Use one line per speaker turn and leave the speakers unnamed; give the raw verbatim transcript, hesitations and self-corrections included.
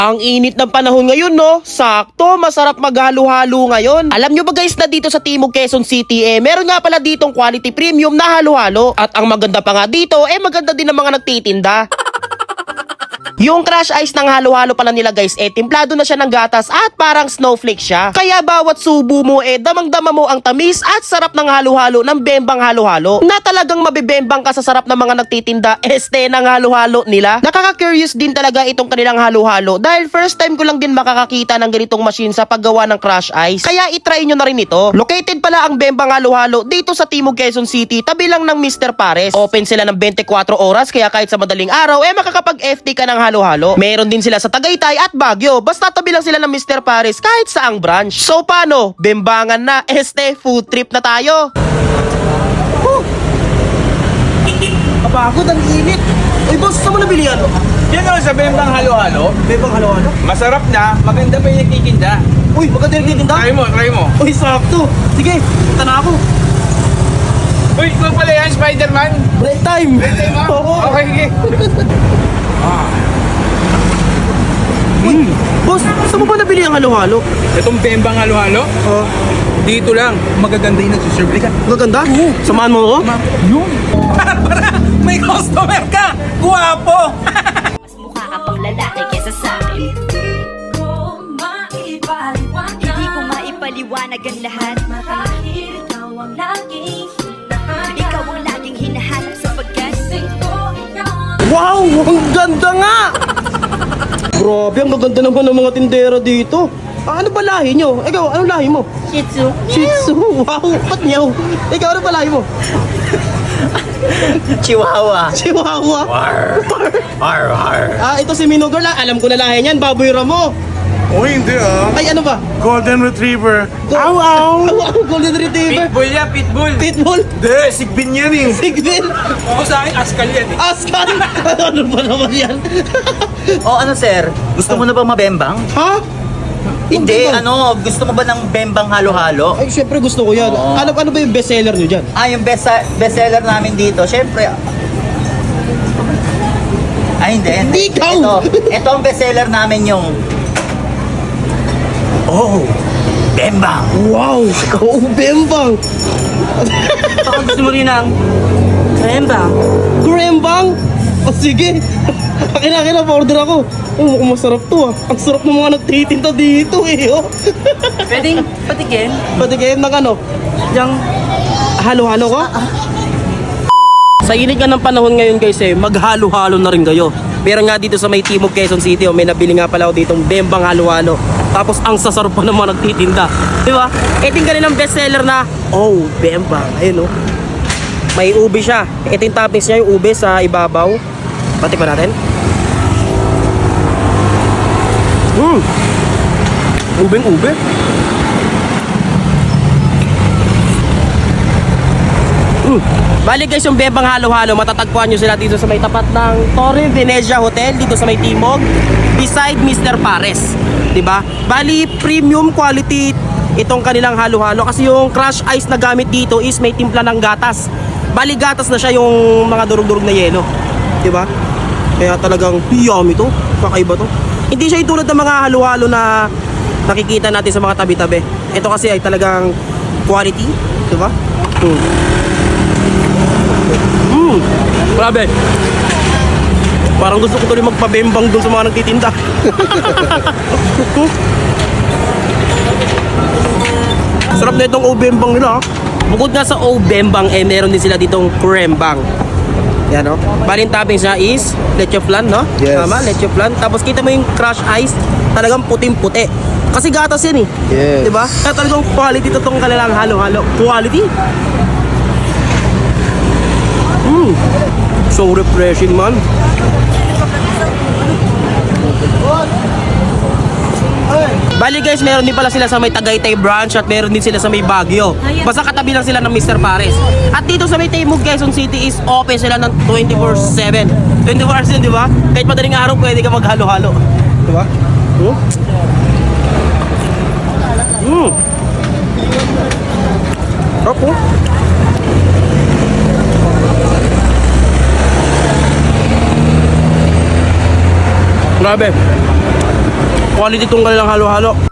Ang init ng panahon ngayon, no? Sakto, masarap maghalo-halo ngayon. Alam nyo ba guys na dito sa Timog Quezon City, eh, meron nga pala ditong quality premium na halo-halo. At ang maganda pa nga dito, eh maganda din ang mga nagtitinda. Yung crush ice ng halo-halo pala nila guys, eh timplado na siya ng gatas at parang snowflake siya. Kaya bawat subo mo eh damang-dama mo ang tamis at sarap ng halo-halo ng bembang halo-halo. Na talagang mabibembang ka sa sarap ng mga nagtitinda este ng halo-halo nila. Nakaka-curious din talaga itong kanilang halo-halo dahil first time ko lang din makakakita ng ganitong machine sa paggawa ng crush ice. Kaya itry nyo na rin ito. Located pala ang bembang halo-halo dito sa Timog Quezon City, tabi lang ng mister Pares. Open sila ng twenty-four oras kaya kahit sa madaling araw eh makakapag-F T ka ng halo-halo. Meron din sila sa Tagaytay at Baguio. Basta tabi lang sila ng mister Pares kahit saang branch. So paano? Bembangan na. Este, food trip na tayo. Oh. Kapagod, ang init. Uy boss, saan mo nabili yan?
Yan o, sa bembang halo-halo.
Bembang halo-halo?
Masarap na, maganda pa yung nagtitinda.
Uy, maganda yung titinda?
Try mo, try mo.
Uy, sakto. Sige, punta na ako.
Uy, ikaw pala yan, Spider-Man.
Break time.
Break time mo?
Oo.
Okay, okay. ah.
Uy, boss, saan mo ba nabili ang halo-halo?
Itong bembang halo-halo,
Oh,
dito lang, magaganda yung nagsiserve ka.
maganda? Samahan mo ako?
Yun. Para, para, may customer ka. Guwapo.
Mas mukha ka pang lalaki kesa sa akin. Hindi ko maipaliwanag ang lahat. Marahil ikaw ang laging hinahanap. Ikaw ang laging hinahanap sapagkat
Wow, ang ganda nga! Grabe, ang gaganda naman ng mga tindera dito. Ah, ano ba lahi nyo? Ikaw, anong lahi mo?
Shih Tzu.
Shih Tzu, wow, ba't nyaw? Ikaw, ano ba lahi mo?
Chihuahua.
Chihuahua.
War. War, war.
Ah, ito si Mino Girl, ah. Alam ko na lahi niyan, baboy ramo.
Oh, hindi ah.
Ay, ano ba?
Golden Retriever.
Aw, aw! Aw, Golden Retriever.
Pitbull yan, pitbull.
Pitbull.
Hindi, sigbin yan eh.
Sigbin.
Oo, sa akin, askal yan eh.
Askan. Ano ba naman yan?
O ano sir, gusto mo na bang mabembang?
Ha?
Hindi,
Bembang?
ano, gusto mo ba ng bembang halo-halo?
Ay, syempre gusto ko yan.
Oo.
Ano, ano ba yung bestseller nyo dyan?
Ah, yung best bestseller namin dito, syempre. Ay, hindi.
Hindi, ikaw!
Ito, ito ang bestseller namin yung Oh, bembang.
Wow! Oo, bembang!
Baka gusto mo rin ng bembang.
Grembang? O sige. Akin na, akin na, pa-order ako. Oh, mukhang masarap to ah. Ang sarap ng mga nagtitinda dito eh. Oh.
Pwedeng patikin?
Pati kayo ng ano? Yung halo-halo ko? Sa init nga ng panahon ngayon guys eh, maghalo-halo na rin kayo. Pero nga dito sa may Timog Quezon City, oh, may nabili nga pala ako ditong bembang halo-halo. Tapos ang sasarap pa naman nagtitinda. Di ba? Ito yung kanilang bestseller na, oh, bembang. Ayun oh. May ube siya. Ito yung toppings niya, yung ube sa ibabaw. Patikman natin. Hmm. Ubeng ube. Mm. Bali guys, yung bembang halo-halo, matatagpuan nyo sila dito sa may tapat ng Torre Venezia Hotel, dito sa may Timog, beside mister Pares. Diba? Bali, premium quality itong kanilang halo-halo kasi yung crush ice na gamit dito is may timpla ng gatas. Bali, gatas na siya yung mga durug-durug na yelo. Diba? Kaya talagang yummy to. Kakaiba to. Hindi siya yung tulad ng mga halo-halo na nakikita natin sa mga tabi-tabi. Ito kasi ay talagang quality. Diba? Hmm. Mmm, grabe. Parang gusto ko tuloy magpabembang dun sa mga nagtitinda. Sarap na itong o-bembang nila. Bukod nga sa o-bembang, eh meron din sila ditong krembang. Yan o. Bali yung toppings niya is leche flan, no?
Yes.
Tama, leche flan. Tapos kita mo yung crush ice, talagang puting-puti. Kasi gatas yan eh.
Yes.
Diba? Kaya talagang quality to tong kanilang halo-halo. Quality. Mmm. So refreshing man. Bali guys, meron din pala sila sa may Tagaytay branch at meron din sila sa may Baguio. Basta katabi lang sila ng mister Pares. At dito sa may Timog Quezon City is open sila ng twenty-four seven. twenty-four hours yun, di ba? Kahit madaling araw pwede ka maghalo-halo. Di ba? Hmm? Hmm. Opo. Grabe. Quality tong kanilang halo-halo.